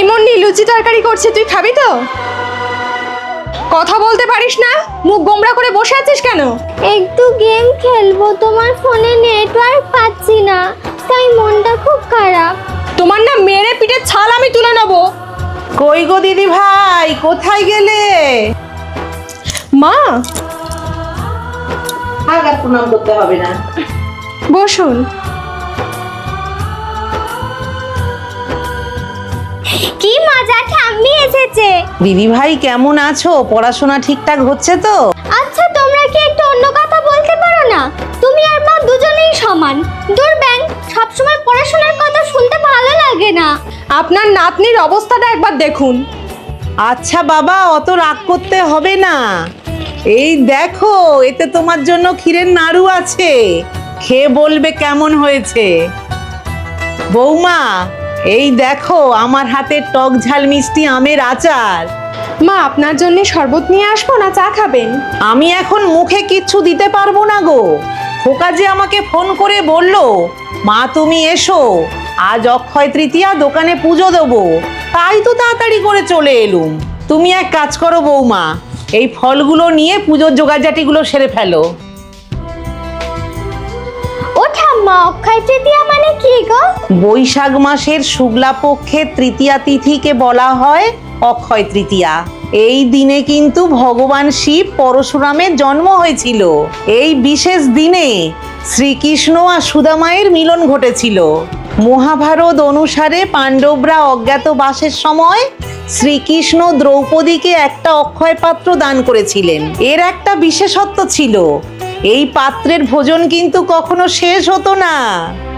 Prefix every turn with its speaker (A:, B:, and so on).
A: এই মন্ডি লুচি তরকারি করছে, তুই খাবি তো? কথা বলতে পারিস না, মুখ গোমড়া করে বসে আছিস কেন?
B: একটু গেম খেলবো, তোমার ফোনে নেটওয়ার্ক পাচ্ছি না, তাই মনটা খুব খারাপ।
A: তোমার না মেরে পিঠের ছাল আমি তুলে নেব।
C: কই গো দিদি ভাই, কোথায় গেলে?
A: মা,
C: আর প্রণাম করতে হবে না,
A: বসুন।
B: কি মজা, ঠাম্মি এসেছে।
C: দিদি ভাই কেমন আছো? পড়াশোনা ঠিকঠাক হচ্ছে তো?
B: আচ্ছা, তোমরা কি একটু অন্য কথা বলতে পারো না? তুমি আর মা দুজনেই সমান। দূর ব্যাং, সবসময় পড়াশোনার কথা শুনতে ভালো লাগে না।
A: আপনার নাতনির অবস্থাটা একবার দেখুন।
C: আচ্ছা বাবা, অত রাগ করতে হবে না। এই দেখো, এতে তোমার জন্য ক্ষীরের নাড়ু আছে, খেয়ে বলবে কেমন হয়েছে। বৌমা, এই দেখো আমার হাতে টক ঝাল মিষ্টি আমের আচার।
A: মা, আপনার জন্য শরবত নিয়ে আসবো না চা খাবেন?
C: আমি এখন মুখে কিচ্ছু দিতে পারবো না গো। খোকা যে আমাকে ফোন করে বলল, মা তুমি এসো, আজ অক্ষয় তৃতীয়া, দোকানে পুজো দেবো, তাই তো তাড়াতাড়ি করে চলে এলুম। তুমি এক কাজ করো বৌমা, এই ফলগুলো নিয়ে পুজোর জোগাড়জাটিগুলো সেরে ফেলো।
B: ও ঠাম্মা, অক্ষয় তৃতীয়া মানে কি গো?
C: বৈশাখ মাসের শুক্লা পক্ষের তৃতীয়া তিথিকে বলা হয় অক্ষয় তৃতীয়া। এই দিনে কিন্তু ভগবান শিব পরশুরামের জন্ম হয়েছিল। এই বিশেষ দিনে শ্রীকৃষ্ণ আর সুদামায়ের মিলন ঘটেছিল। মহাভারত অনুসারে পাণ্ডবরা অজ্ঞাতবাসের সময় শ্রীকৃষ্ণ দ্রৌপদীকে একটা অক্ষয় পাত্র দান করেছিলেন। এর একটা বিশেষত্ব ছিল, এই পাত্রের ভোজন কিন্তু কখনো শেষ হতো না।